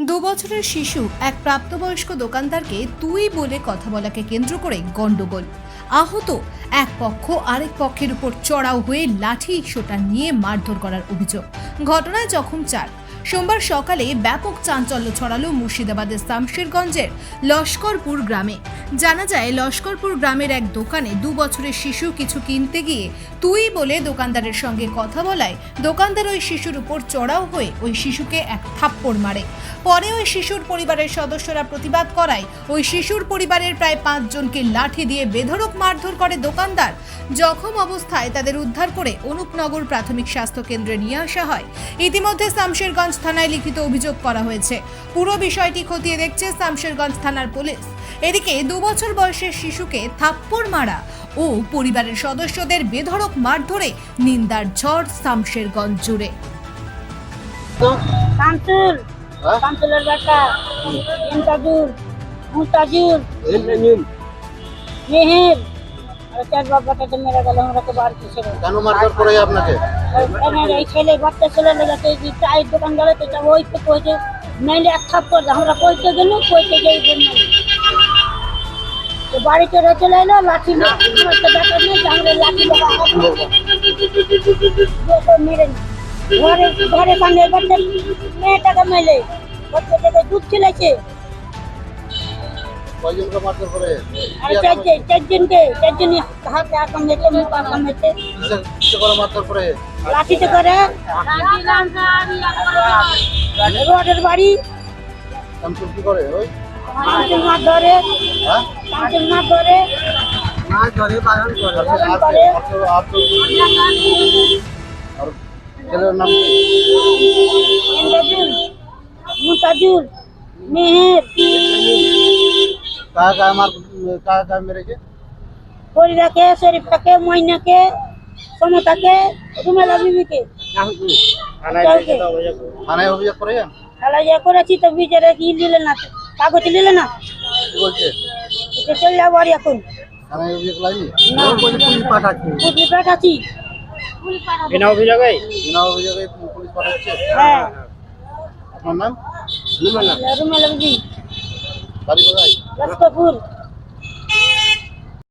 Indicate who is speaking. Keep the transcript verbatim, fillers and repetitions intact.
Speaker 1: দু বছরের শিশু এক প্রাপ্তবয়স্ক দোকানদারকে তুই বলে কথা বলাকে কেন্দ্র করে গন্ডগোল। আহত এক পক্ষ আরেক পক্ষের উপর চড়াও হয়ে লাঠি সোটা নিয়ে মারধর করার অভিযোগ। ঘটনায় জখম চার। সোমবার সকালে ব্যাপক চাঞ্চল্য ছড়ালো মুর্শিদাবাদের শামশেরগঞ্জের লস্করপুর গ্রামে। জানা যায়, লস্করপুর গ্রামের এক দোকানে দু বছরের শিশু কিছু কিনতে গিয়ে তুই বলে দোকানদারের সঙ্গে কথা বলায় দোকানদার ওই শিশুর উপর চড়াও হয়ে ওই শিশুকে এক থাপ্পড় মারে। পরে ওই শিশুর পরিবারের সদস্যরা প্রতিবাদ করায় ওই শিশুর পরিবারের প্রায় পাঁচজনকে লাঠি দিয়ে বেধড়ক মারধর করে দোকানদার। জখম অবস্থায় তাদের উদ্ধার করে অনুপনগর প্রাথমিক স্বাস্থ্য কেন্দ্রে নিয়ে আসা হয়। ইতিমধ্যে শামশেরগঞ্জ থানায় লিখিত অভিযোগ করা হয়েছে। পুরো বিষয়টি খতিয়ে দেখছে শামশেরগঞ্জ থানার পুলিশ। এদিকে দু বছর বয়সের শিশুকে থাপ্পড় মারা ও পরিবারের সদস্যদের বেধড়ক মারধরে নিন্দার ঝড় শামশেরগঞ্জ জুড়ে।
Speaker 2: শামসুল শামসুলের বেটা ইন্তাজুল মুতাজুল মেহের আর চার বাবাটাকে মেরে গেল। আমরা তো বাড়িতে ছিল।
Speaker 3: কেন মারধর করে আপনাকে?
Speaker 2: এই ছেলে বাচ্চা ছেলে লেগেছে যে চায়ের দোকান গেলে তো ওই তো কইছে নাইলে এক থাপ্পড় আমরা কইতে গেল কইতে যাই বললাম তো বাড়িতে রেখে লাইলো লাঠি মারতে দেখা নেই আমরা লাঠি লাগা মেরে ঘরে ঘরে সামনে বাচ্চা মেয়েটাকে মেলে বাচ্চাটাকে দুধ ছিলেছে।
Speaker 3: কয়জনকে মারধর করে?
Speaker 2: আর চারজন চারজনকে চারজনই হাতে আঁকা মেতে মুখ আঁকা মেতে
Speaker 3: কিসে করে মারধর করে?
Speaker 2: লাঠিতে করে রোডের বাড়ি
Speaker 3: শামসুল কি করে? ওই
Speaker 2: শামসুল মাছ ধরে
Speaker 3: হ্যাঁ
Speaker 2: শামসুল মাছ ধরে
Speaker 3: মাছ ধরে বাগান করে।
Speaker 2: বাগান
Speaker 3: আর
Speaker 2: করে।
Speaker 3: আর তো আর তো আর ছেলের নাম কি?
Speaker 2: ইন্দ্রজুল মুতাজুল মেহের
Speaker 3: কাকা আমার কাকা মেরেছে?
Speaker 2: ফরিদাকে শরীফটাকে ময়নাকে সমতাকে রুমেলা বিবিকে
Speaker 3: থানায় অভিযোগ করেছেন?
Speaker 2: খেলা করেছি তো বিচারে কি নিলে না তো কাগজ নিলে না
Speaker 3: কি বলছে?
Speaker 2: এটা চলে যাবো আর এখন
Speaker 3: থানায় অভিযোগ লাগনি?
Speaker 2: না পুলিশ পাঠাচ্ছি
Speaker 3: বিনা অভিযোগে বিনা অভিযোগে পুলিশ পাঠাচ্ছে?
Speaker 2: হ্যাঁ
Speaker 3: আপনার নাম?
Speaker 2: রুমেলা বিবি
Speaker 3: বাড়ি কোথায়?
Speaker 2: লস্করপুর।